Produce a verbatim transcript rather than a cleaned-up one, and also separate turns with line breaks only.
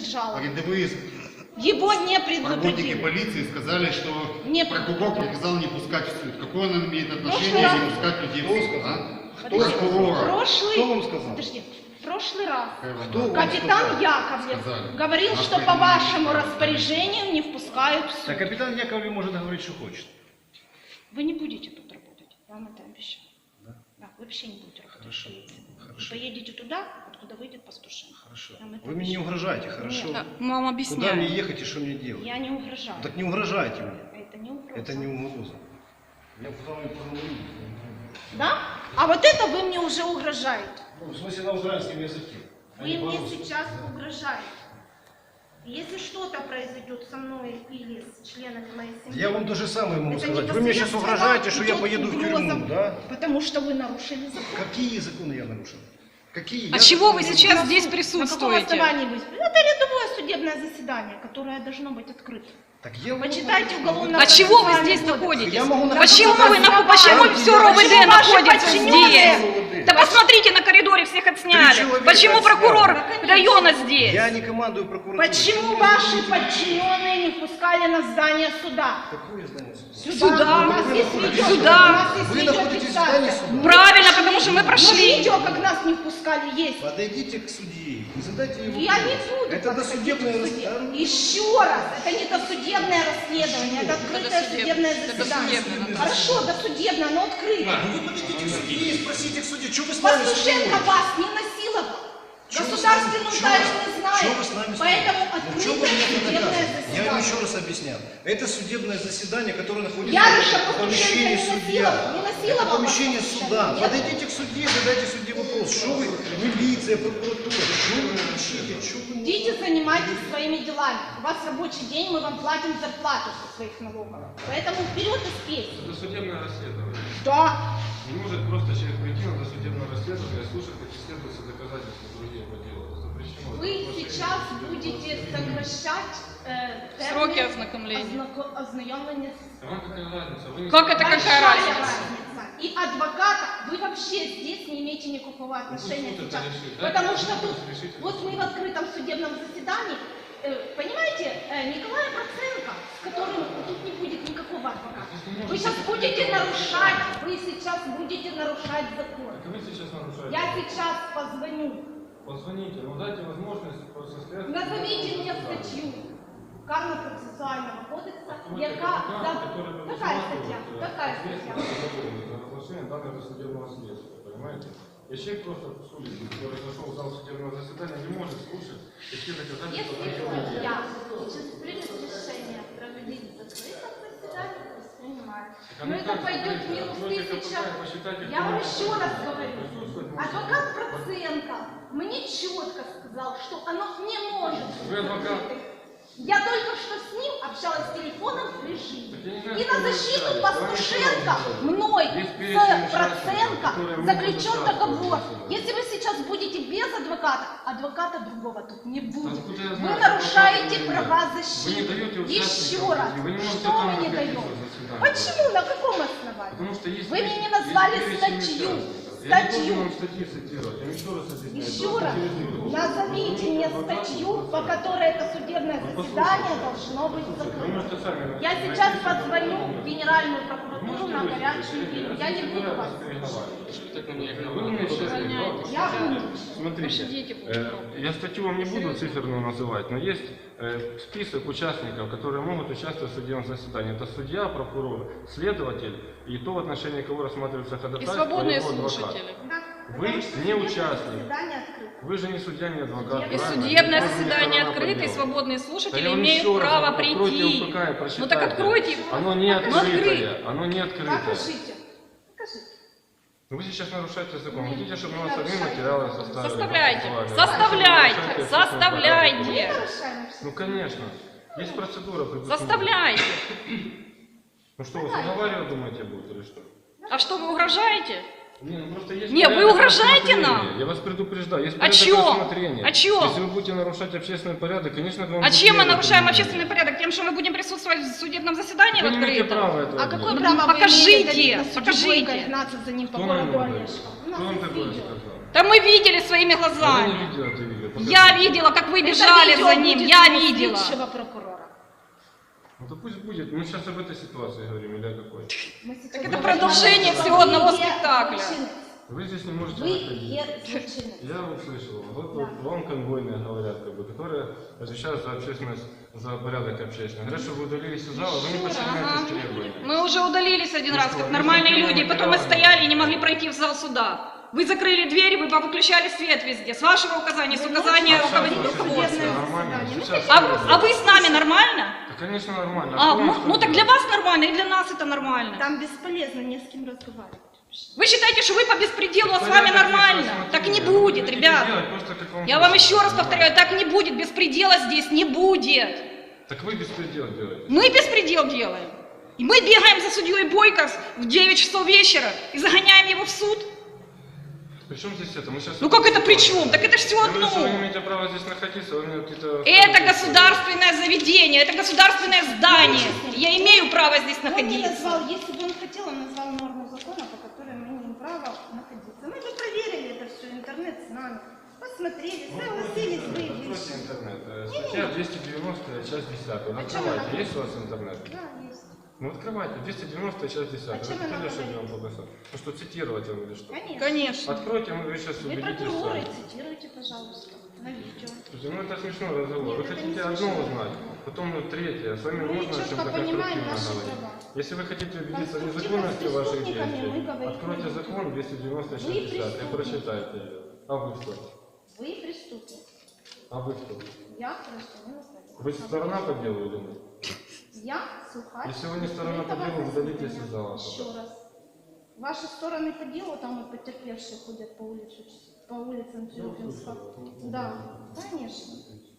пишет жалобу.
Рядовые
Его не
работники
предупредили.
полиции сказали, что
Не
прокурор приказал не пускать в суд. Какое он имеет отношение
Прошлый
не
раз-
пускать людей в суд? А?
Подожди,
Прокурора.
прошлый...
Кто вам сказал?
Подожди. В прошлый раз
Кто вам
капитан
сказал?
Яковлев
Сказали.
говорил,
Нас
что по
предупредили.
вашему распоряжению не впускают в суд.
Так капитан Яковлев может говорить, что хочет.
Вы не будете тут работать, я вам это обещаю.
Да?
Да, вы вообще не будете работать.
Хорошо.
в полиции. Вы
Хорошо.
поедете туда, откуда выйдет Пастушин.
Хорошо.
Я вам это
Вы мне не
обещаю.
угрожаете, хорошо?
Нет.
Мы вам
Куда
объясняем.
мне ехать и что мне делать?
Я не угрожаю.
Так не угрожайте мне.
Это не угроза.
Это не угроза. Я с вами поговорю.
Да? А вот это вы мне уже угрожаете.
Ну, в смысле на украинском языке. а не
Вы мне
по-русски.
сейчас угрожаете. Если что-то произойдет со мной или с членами моей семьи...
Я вам то же самое могу
это
сказать. Вы мне сейчас
непосредственно
угрожаете, что я
идет
поеду в
угроза,
тюрьму, да?
Потому что вы нарушили закон.
Какие законы я нарушил? Какие?
А
Я
чего вы
законы-
сейчас здесь
На каком
присутствуете?
основании вы... Это рядовое судебное заседание, которое должно быть открыто.
Так я могу-
Почитайте уголовно.
А чего вы здесь находитесь?
Я могу
Почему
находиться
вы
там,
наху- почему
там,
все
где-
РОВД
Почему ваши
находится
подчиненные?
здесь? Да посмотрите, на коридоре всех
Три
отсняли.
человека
Почему
отсняли.
прокурор
Да, конечно.
района здесь?
Я не командую прокуратурой.
Почему ваши подчиненные не впускали на здание суда?
Какое здание суда?
Сюда.
У нас есть видео,
Сюда.
у нас есть
Вы
видео
находитесь в
фиксация.
здании суда.
Правильно, потому что мы
Ну,
прошли.
видео, как нас не впускали, есть.
Подойдите к судье и задайте ему
Я не
вопрос.
буду.
Это досудебное
подходить к суде.
расследование.
Еще раз, это не досудебное расследование, это открытое
досудебное.
судебное
Это
заседание.
досудебное.
Хорошо, досудебное, но открыто.
Вы подойдите к судье и спросите к судье, что вы с нами
Пастушенко
спорите?
вас не насиловал.
Чё вы
Государственную
с нами-
тайну
чё вы-
не знает.
чё вы с нами
Поэтому
спорите? Ну, чё вы
открытое
меня
судебное
наказываете? Я вам еще
заседание.
раз объясняю. Это судебное заседание, которое находится
Яруша
в помещении
Пастушенко не
судья.
насиловал, не
Это
насиловал
помещение
Пастушенко.
суда.
Нет.
Подойдите к судье и задайте судье вопрос. Что вы, милиция, прокуратура, что вы кричите, что вы...
Идите, занимайтесь своими делами. У вас рабочий день, мы вам платим зарплату со своих налогов. Поэтому вперед и спейте.
Это судебное расследование.
Да.
Не может просто человек прийти на досудебное расследование и слушать, как исследуются доказательства другие по делу. Это запрещено.
Вы сейчас будете сокращать э,
Сроки
термин
ознакомления.
ознако- ознакомления с...
А вам какая разница? Вы не
Как это какая
Большая
разница?
И адвоката вы вообще здесь не имеете никакого отношения
суд это
сейчас.
решит.
Потому
Дайте
что
суд
тут,
решить.
вот мы в открытом судебном заседании, э, понимаете, э, Николая Проценко, с которым тут не будет никакого адвоката. Вы сейчас будете нарушать, вы сейчас будете нарушать закон.
Так вы сейчас нарушаете.
Я сейчас позвоню.
Позвоните, но дайте возможность состояться.
Назовите мне статью Карно-процессуального кодекса,
Откройте
яка...
адвоката,
за-
который
Какая
предусматривает,
статья?
э,
Какая статья?
ответственность за разглашение данного судебного следствия, понимаете? И человек просто с улицы, который зашел в зал судебного заседания, не может слушать такие доказательства
Если
другого
судья
дела.
сейчас примет решение проводить закрытое заседание, воспринимает.
а
Но
ну
это
как
пойдет
закрыто?
минус
Откройте
тысяча.
КПК и посчитайте,
Я вам
кто
еще раз говорю.
присутствовать может.
Адвокат Проценко мне четко сказал, что оно не может быть
Вы адвокат?
закрытым. Я только что с ним общалась в телефонном режиме.
Так я не знаю,
И
что
на
вы
защиту
сказали.
Пастушенко
Вам что
мной
Есть
с
перечень
Проценко
участников, которые могут
заключен
участвовать
договор.
в заседании.
Если вы сейчас будете без адвоката, адвоката другого тут не будет.
Откуда я
Вы
знаю,
нарушаете
что
права
Вы не
защиты.
даете
Еще
участникам
раз.
прийти, вы не можете
Что
там
вы не
находиться
даете?
в заседании.
Почему? На каком основании?
Потому что есть
Вы мне не
есть
назвали
перечень
статью.
участников. Я не
Статью.
должен вам статьи цитировать, я еще раз объясняю.
Еще
Просто
раз.
через микрофон.
Назовите мне
Адвокат,
статью,
адвокат.
по которой это судебное
Ну,
заседание
послушайте.
должно быть
Вы
закрыто.
можете сами
Я
найти
сейчас
себе
позвоню в
документы.
Генеральную
Вы
прокуратуру
можете
на
выслушать,
горячую линию. Я не буду вас.
Вы меня сейчас
Я буду.
Смотрите,
дети будут
э, я статью вам не буду циферную называть, но есть э, список участников, которые могут участвовать в судебном заседании. Это судья, прокурор, следователь и то, в отношении кого рассматривается
И
ходатайство,
свободные
его адвокат.
слушатели.
Да.
Вы
Потому что
не
судебное
участник.
заседание открыто.
Вы же не судья, не адвокат.
И
правильно?
судебное
Вы можете
заседание
сторона по
открыто, и
делу.
свободные
Да
слушатели
я вам
имеют
еще раз
право
говорю, откройте
прийти.
УПК и прочитайте.
Ну так откройте.
Оно не
Ну,
открытое.
открыть.
Оно не открытое.
Покажите. Покажите.
Вы сейчас нарушаете закон.
Нет,
Хотите, чтобы
не
мы вас одни
нарушайте.
материалы составили?
Составляйте,
голосовали?
составляйте,
Нарушаете общественный
составляйте.
Мы нарушаем все.
порядок. Ну, конечно. Есть процедура. предусмотрена.
Заставляйте.
Ну что, вы уговаривать думаете будет или что?
А что, вы угрожаете?
Не, ну просто есть
Не, вы
порядок
угрожаете
рассмотрения.
нам?
Я вас предупреждаю. Есть
О
порядок
чем?
рассмотрения.
О чем?
Если вы будете нарушать общественный порядок, конечно, к вам
А
будет
чем мы
меры
нарушаем
применены.
общественный порядок? Тем, что мы будем присутствовать в судебном заседании в
Вы не имеете
открытом?
права этого
А
делать.
какое
Ну,
право вы
покажите,
имеете на судью
покажите.
Бойко гнаться за ним по
Кто нам
городу
его дает?
Олежка? У
Кто
нас
вам
есть
такое
видео.
сказал?
Да мы видели своими
Я не
глазами.
видел это видео. покажу.
Я видела, как вы бежали
Это
за
видео
ним,
будет
я
у
видела.
следующего прокурора.
Ну то пусть будет. Мы сейчас об этой ситуации говорим, или о какой?
Мы сейчас
Так это
говорим,
продолжение
что
всего
вы
одного
е
спектакля.
злочинец.
Вы здесь не можете
Вы
находиться.
е злочинец.
Я услышал. Вот,
Да.
вот вам конвойные говорят, как бы, которые отвечают за общественность, за порядок общественный. Говорят, что вы удалились из зала, вы не
Еще раз.
подчиняетесь требованиям.
Мы уже удалились один
Ну
раз,
что,
как
ну
нормальные
что,
люди,
ну,
потом мы
материалы?
стояли и не могли пройти в зал суда. Вы закрыли двери, вы повыключали свет везде. С вашего указания, с
Вы
указания
ночью
руководителя
Сейчас
судебное
все
руководства.
нормально.
заседание.
Сейчас
А,
все
а вы с нами нормально?
Да, конечно, нормально.
А,
кто вам
ну,
что
ну так
делает?
для вас нормально, и для нас это нормально.
Там бесполезно не с кем разговаривать.
Вы считаете, что вы по беспределу, а с
Порядок
вами
есть,
нормально?
смотрите,
Так не
вы
будет,
хотите
ребят.
делать просто, как вам
Я вам
хочется,
еще раз
понимаете?
повторяю, так не будет, беспредела здесь не будет.
Так вы беспредел делаете.
Мы беспредел делаем. И мы бегаем за судьей Бойко в девять часов вечера и загоняем его в суд.
При чем здесь это? Мы сейчас
Ну как это при чем? Так это ж все
Я говорю, что вы не
одно.
имеете права здесь находиться, вы мне какие-то...
Это государственное заведение, это государственное здание. Я имею право здесь
Он не
находиться.
назвал, если бы он хотел, он назвал норму закона, по которой мы имеем право находиться. Мы бы проверили это все, интернет с нами, посмотрели, согласились,
Откройте
выявили.
интернет. Э, Статья двести девяносто, часть десятая.
А
Открывайте.
чем она
Есть у вас интернет?
Да, есть.
Ну открывайте. двести девяносто, часть десятая.
А чем
Вы
она
хотели, чтобы я вам
говорит?
показал? Ну что, цитировать вам или что?
Конечно.
Конечно.
Откройте, вы сейчас
Вы
убедитесь
прокуроры,
сами.
цитируйте, пожалуйста, на видео.
Слушайте, ну это смешной разговор.
Нет,
Вы
это
хотите
не
одно
смешно.
узнать, потом ну, третье. С вами
Мы
можно о
четко
чем-то
понимаем
конструктивно
наши
говорить.
права.
Если вы хотите убедиться в
Конструктивно
незаконности
с
ваших
преступниками
действий,
мы говорить
откройте
не будем.
закон двести девяносто, часть
Вы
десятая и
преступник.
прочитайте ее. А вы кто?
Вы преступник.
А вы кто?
Я гражданин Украины.
Вы сторона по делу или нет?
Я сухарь.
Если вы не сторона по делу, удалитесь из зала.
Еще раз. Ваши стороны по делу, там вот потерпевшие ходят по улице, по улицам Тюрюпинска. Да, конечно.